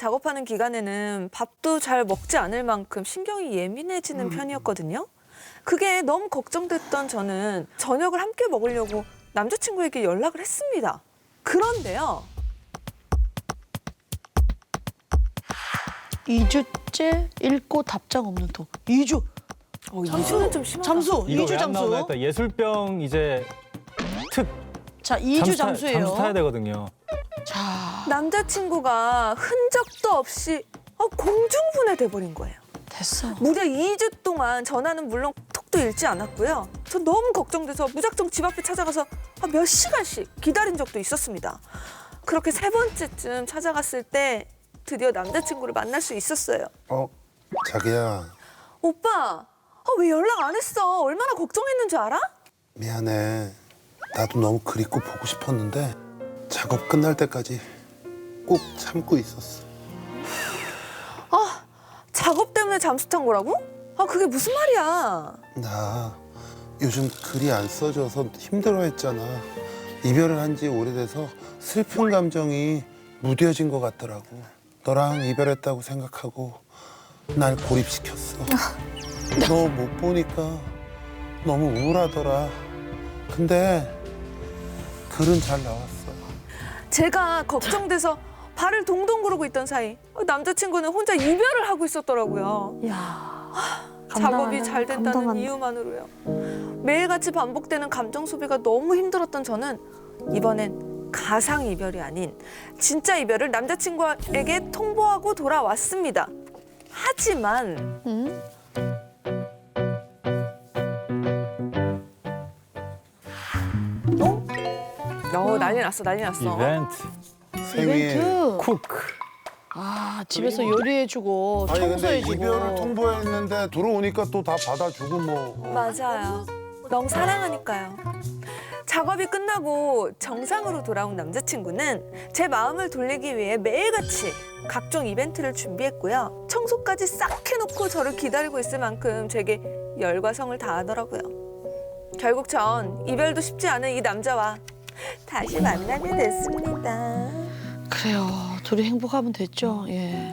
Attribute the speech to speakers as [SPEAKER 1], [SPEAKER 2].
[SPEAKER 1] 작업하는 기간에는 밥도 잘 먹지 않을 만큼 신경이 예민해지는 편이었거든요. 그게 너무 걱정됐던 저는 저녁을 함께 먹으려고 남자친구에게 연락을 했습니다. 그런데요.
[SPEAKER 2] 2주째 읽고 답장 없는 톡. 2주.
[SPEAKER 1] 2주는 좀 심하다.
[SPEAKER 2] 잠수.
[SPEAKER 3] 이거
[SPEAKER 2] 2주
[SPEAKER 3] 왜 안 나오나
[SPEAKER 2] 잠수.
[SPEAKER 3] 했다. 예술병 이제 특
[SPEAKER 2] 자, 2주 잠수예요.
[SPEAKER 3] 잠수 타야 되거든요.
[SPEAKER 2] 자,
[SPEAKER 1] 남자친구가 흔적도 없이 공중분해 돼버린 거예요.
[SPEAKER 2] 됐어.
[SPEAKER 1] 무려 2주 동안 전화는 물론 톡도 읽지 않았고요. 저 너무 걱정돼서 무작정 집 앞에 찾아가서 몇 시간씩 기다린 적도 있었습니다. 그렇게 3번째쯤 찾아갔을 때 드디어 남자친구를 만날 수 있었어요.
[SPEAKER 4] 자기야,
[SPEAKER 1] 오빠, 왜 연락 안 했어? 얼마나 걱정했는 줄 알아?
[SPEAKER 4] 미안해. 나도 너무 그립고 보고 싶었는데 작업 끝날 때까지 꼭 참고 있었어.
[SPEAKER 1] 작업 때문에 잠수 탄 거라고? 그게 무슨 말이야?
[SPEAKER 4] 나 요즘 글이 안 써져서 힘들어했잖아. 이별을 한 지 오래돼서 슬픈 감정이 무뎌진 것 같더라고. 너랑 이별했다고 생각하고 날 고립시켰어. 너 못 보니까 너무 우울하더라. 근데 글은 잘 나왔어.
[SPEAKER 1] 제가 걱정돼서 발을 동동 구르고 있던 사이 남자친구는 혼자 이별을 하고 있었더라고요.
[SPEAKER 2] 야.
[SPEAKER 1] 작업이 잘 된다는 이유만으로요. 매일같이 반복되는 감정 소비가 너무 힘들었던 저는 이번엔 가상 이별이 아닌 진짜 이별을 남자친구에게 통보하고 돌아왔습니다. 하지만
[SPEAKER 2] 응?
[SPEAKER 1] 난리 났어, 난리 났어.
[SPEAKER 3] 이벤트,
[SPEAKER 4] 생일.
[SPEAKER 2] 이벤트.
[SPEAKER 3] 쿡.
[SPEAKER 2] 아, 집에서 요리해주고
[SPEAKER 4] 아니 근데
[SPEAKER 2] 청소해주고.
[SPEAKER 4] 이별을 통보했는데 들어오니까 또 다 받아주고 뭐.
[SPEAKER 1] 맞아요. 너무 사랑하니까요. 작업이 끝나고 정상으로 돌아온 남자친구는 제 마음을 돌리기 위해 매일같이 각종 이벤트를 준비했고요. 청소까지 싹 해놓고 저를 기다리고 있을 만큼 제게 열과 성을 다하더라고요. 결국 전 이별도 쉽지 않은 이 남자와 다시 만나게 됐습니다.
[SPEAKER 2] 그래요. 둘이 행복하면 됐죠. 예.